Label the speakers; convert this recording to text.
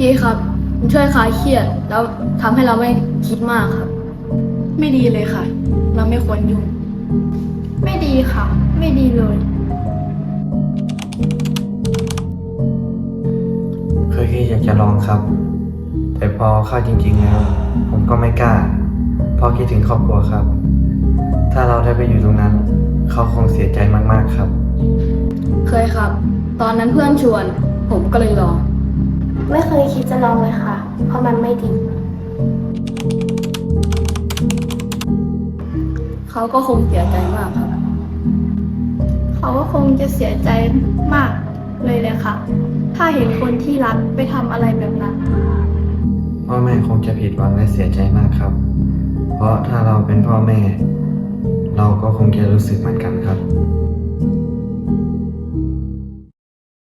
Speaker 1: ดีครับมันช่วยคลายเครียดแล้วทำให้เราไม่คิดมากครับ
Speaker 2: ไม่ดีเลยค่ะ เราไม่ควรยุ่ง
Speaker 1: ไม่ดีค่ะ ไม่ดีเลย
Speaker 3: เคยคิดอยากจะลองครับ แต่พอเข้าจริงๆแล้วผมก็ไม่กล้าเพราะคิดถึงครอบครัวครับ ถ้าเราได้ไปอยู่ตรงนั้น เขาคงเสียใจมากๆครับ
Speaker 1: เคยครับ ตอนนั้นเพื่อนชวน ผมก็เลยลอง
Speaker 4: ไม่เคยคิดจะลองเลยค่ะ เพราะมันไม่ดี
Speaker 1: เขาก็คงเสียใจมากครับ
Speaker 2: เขาก็คงจะเสียใจมากเลยเลยค่ะ ถ้าเห็นคนที่รักไปทำอะไรแบบนั้น
Speaker 3: พ่อแม่คงจะผิดหวังและเสียใจมากครับ เพราะถ้าเราเป็นพ่อแม่ เราก็คงจะรู้สึกเหมือนกันครับ